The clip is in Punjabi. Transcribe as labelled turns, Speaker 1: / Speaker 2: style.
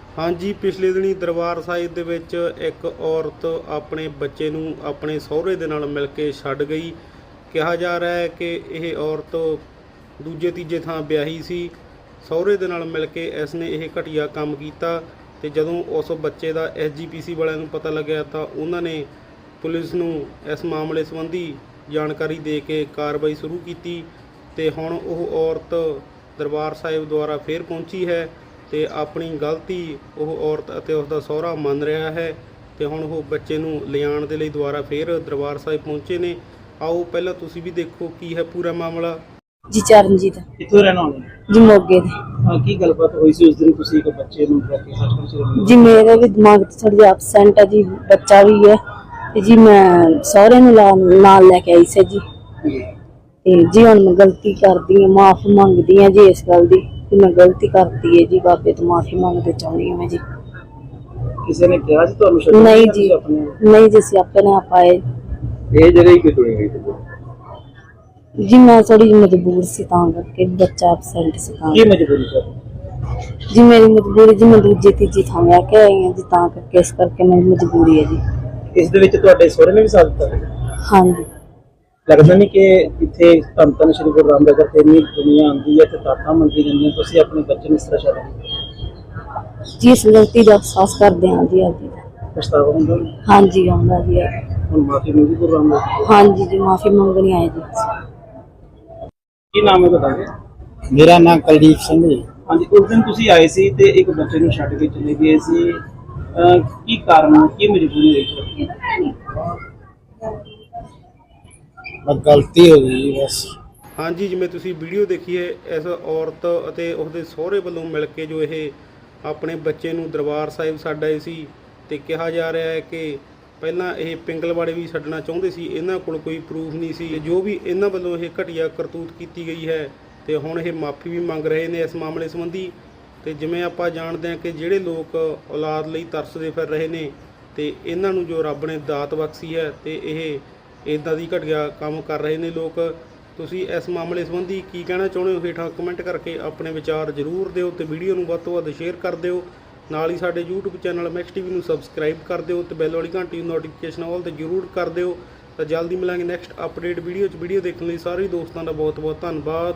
Speaker 1: हाँ जी, पिछले दिनी दरबार साहिब ਦੇ ਵਿੱਚ ਇੱਕ ਔਰਤ ਆਪਣੇ ਬੱਚੇ ਨੂੰ ਆਪਣੇ ਸਹੁਰੇ ਦੇ ਨਾਲ ਮਿਲ ਕੇ ਛੱਡ ਗਈ। ਕਿਹਾ ਜਾ ਰਿਹਾ ਹੈ ਕਿ ਇਹ ਔਰਤ ਦੂਜੇ ਤੀਜੇ ਥਾਂ ਵਿਆਹੀ ਸੀ। ਸਹੁਰੇ ਦੇ ਨਾਲ ਮਿਲ ਕੇ ਇਸ ਨੇ ਇਹ ਘਟੀਆ ਕੰਮ ਕੀਤਾ ਤੇ ਜਦੋਂ ਉਸ ਬੱਚੇ ਦਾ ਐਸਜੀਪੀਸੀ ਵਾਲਿਆਂ ਨੂੰ ਪਤਾ ਲੱਗਿਆ ਤਾਂ ਉਹਨਾਂ ਨੇ ਪੁਲਿਸ ਨੂੰ ਇਸ ਮਾਮਲੇ ਸੰਬੰਧੀ ਜਾਣਕਾਰੀ ਦੇ ਕੇ ਕਾਰਵਾਈ ਸ਼ੁਰੂ ਕੀਤੀ ਤੇ ਹੁਣ ਉਹ ਔਰਤ ਦਰਬਾਰ ਸਾਹਿਬ ਦੁਆਰਾ ਫੇਰ ਪਹੁੰਚੀ ਹੈ ਤੇ ਆਪਣੀ ਗਲਤੀ ਉਹ ਔਰਤ ਅਤੇ ਉਸ ਦਾ ਸਹੁਰਾ ਮੰਨ ਰਿਹਾ ਹੈ ਤੇ ਹੁਣ ਉਹ ਬੱਚੇ ਨੂੰ ਲਿਆਉਣ ਦੇ ਲਈ ਦੁਬਾਰਾ ਫੇਰ ਦਰਬਾਰ ਸਾਹਿਬ ਪਹੁੰਚੇ ਨੇ। ਆਓ ਪਹਿਲਾਂ ਤੁਸੀਂ ਵੀ ਦੇਖੋ ਕੀ ਹੈ ਪੂਰਾ ਮਾਮਲਾ।
Speaker 2: जी चरणजीत
Speaker 3: ਕਿੱਥੋਂ ਰਹਿਣ ਵਾਲੇ
Speaker 2: जी मोगे दे
Speaker 3: ਕੀ ਗੱਲਬਾਤ ਹੋਈ ਸੀ ਉਸ ਦਿਨ ਤੁਸੀਂ ਇੱਕ ਬੱਚੇ ਨੂੰ ਲੈ ਕੇ ਹਸਪਤਾਲ ਚ ਰਹੇ
Speaker 2: जी मेरे भी दिमाग थोड़ी एबसेंट है जी, बच्चा भी है ते जी मैं सहुरे नाल लेके आई सी जी ते जी हुण मैं गलती करदी हां, माफी मंगदी हां जी इस गल दी कि मैं गलती करती है जी, बाबे तो माफी मंगते चाहनी हां मैं जी।
Speaker 3: ਕਿਸੇ ਨੇ ਕਿਹਾ ਸੀ ਤੁਹਾਨੂੰ ਛੱਡਣਾ
Speaker 2: नहीं जी
Speaker 3: ਆਪਣੇ
Speaker 2: नहीं जी असी अपने आप आए
Speaker 3: ਇਹ ਜਗ੍ਹਾ ਹੀ ਕਿਤੋਂ ਗਈ ਤੁਸੀਂ
Speaker 2: जी, मैं थोड़ी मजबूर सी तां करके बच्चा एबसेंट सी तां
Speaker 3: ਕੀ ਮਜਬੂਰੀ ਸੀ
Speaker 2: जी मेरी मजबूरी जी मैं दूजी तीजी थां लै के आई हां जी, तां करके इस करके मेरी मजबूरी है जी।
Speaker 3: ਇਸ ਦੇ ਵਿੱਚ ਤੁਹਾਡੇ ਸਹੁਰੇ ਨੇ ਵੀ ਸਾਥ ਦਿੱਤਾ
Speaker 2: हाँ जी
Speaker 3: ਲੱਗਦਾ ਨਹੀਂ ਕਿ ਇੱਥੇ ਧੰਨ ਧੰਨ ਸ਼੍ਰੀ ਗੁਰੂ ਰਾਮਦਾਸ ਜੀ ਤੇ ਇੰਨੀ ਦੁਨੀਆ ਆਉਂਦੀ ਹੈ ਤੇ ਤਾਕਤਾਂ ਮੰਗੀ ਜਾਂਦੀਆਂ, ਤੁਸੀਂ ਆਪਣੇ ਬੱਚੇ ਨੂੰ ਇਸ ਤਰ੍ਹਾਂ ਛੱਡ ਦਿੱਤਾ।
Speaker 2: जी इस गलती का एहसास करते हैं जी अभी।
Speaker 3: ਪਛਤਾਵਾ ਹੁੰਦਾ
Speaker 2: हाँ जी आऊँगा जी
Speaker 3: ਹੁਣ ਮਾਫੀ ਮੰਗੀ ਗੁਰੂ ਰਾਮਦਾਸ ਜੀ।
Speaker 2: हाँ जी माफी मंगनी आए जी।
Speaker 3: ਕੀ ਨਾਮ ਹੈ ਤੁਹਾਡਾ?
Speaker 4: मेरा नाम कुलदीप सिंह जी।
Speaker 3: ਹਾਂਜੀ, ਉਸ ਦਿਨ ਤੁਸੀਂ ਆਏ ਸੀ ਤੇ ਇੱਕ ਬੱਚੇ ਨੂੰ ਛੱਡ ਕੇ ਚਲੇ ਗਏ ਸੀ, ਕੀ ਕਾਰਨ ਕੀ ਮਜਬੂਰੀ ਰਹੀ?
Speaker 4: बस गलती हो गई जी बस।
Speaker 1: हाँ जी, जिवें तुसीं वीडियो देखी है, इस औरत ਅਤੇ ਉਸਦੇ ਸਹੁਰੇ ਵੱਲੋਂ ਮਿਲ ਕੇ ਜੋ ਇਹ ਆਪਣੇ ਬੱਚੇ ਨੂੰ ਦਰਬਾਰ ਸਾਹਿਬ ਛੱਡ ਆਏ ਸੀ ਤੇ ਕਿਹਾ ਜਾ ਰਿਹਾ ਹੈ ਕਿ ਪਹਿਲਾਂ ਇਹ ਪਿੰਗਲਵਾੜੇ ਵੀ ਛੱਡਣਾ ਚਾਹੁੰਦੇ ਸੀ, ਇਹਨਾਂ ਕੋਲ ਕੋਈ ਪ੍ਰੂਫ ਨਹੀਂ ਸੀ। ਜੋ ਵੀ ਇਹਨਾਂ ਵੱਲੋਂ ਇਹ ਘਟੀਆ ਕਰਤੂਤ ਕੀਤੀ ਗਈ ਹੈ ਤੇ ਹੁਣ ਇਹ ਮਾਫੀ ਵੀ ਮੰਗ ਰਹੇ ਨੇ ਇਸ ਮਾਮਲੇ ਸੰਬੰਧੀ। ਤੇ ਜਿਵੇਂ ਆਪਾਂ ਜਾਣਦੇ ਹਾਂ ਕਿ ਜਿਹੜੇ ਲੋਕ ਔਲਾਦ ਲਈ ਤਰਸਦੇ ਫਿਰ ਰਹੇ ਨੇ ਤੇ ਇਹਨਾਂ ਨੂੰ ਜੋ ਰੱਬ ਨੇ ਦਾਤ ਬਖਸ਼ੀ ਹੈ ਤੇ ਇਹ ਇੱਦਾਂ ਦੀ ਘਟੀਆ ਕੰਮ ਕਰ ਰਹੇ ਨੇ ਲੋਕ। ਤੁਸੀਂ ਇਸ ਮਾਮਲੇ ਸੰਬੰਧੀ ਕੀ ਕਹਿਣਾ ਚਾਹੁੰਦੇ ਹੋ? ਹੇਠਾਂ ਕਮੈਂਟ ਕਰਕੇ ਆਪਣੇ ਵਿਚਾਰ ਜ਼ਰੂਰ ਦਿਓ ਤੇ ਵੀਡੀਓ ਨੂੰ ਵੱਧ ਤੋਂ ਵੱਧ ਸ਼ੇਅਰ ਕਰ ਦਿਓ। ਨਾਲ ਹੀ ਸਾਡੇ YouTube ਚੈਨਲ ਮੈਕਸ ਟੀਵੀ ਨੂੰ ਸਬਸਕ੍ਰਾਈਬ ਕਰ ਦਿਓ ਤੇ ਬੈਲ ਵਾਲੀ ਘੰਟੀ ਨੂੰ ਨੋਟੀਫਿਕੇਸ਼ਨ ਆਲ ਤੇ ਜ਼ਰੂਰ ਕਰ ਦਿਓ। ਤਾਂ ਜਲਦੀ ਮਿਲਾਂਗੇ ਨੈਕਸਟ ਅਪਡੇਟ ਵੀਡੀਓ 'ਚ। ਵੀਡੀਓ ਦੇਖਣ ਲਈ ਸਾਰੇ ਦੋਸਤਾਂ ਦਾ ਬਹੁਤ ਬਹੁਤ ਧੰਨਵਾਦ।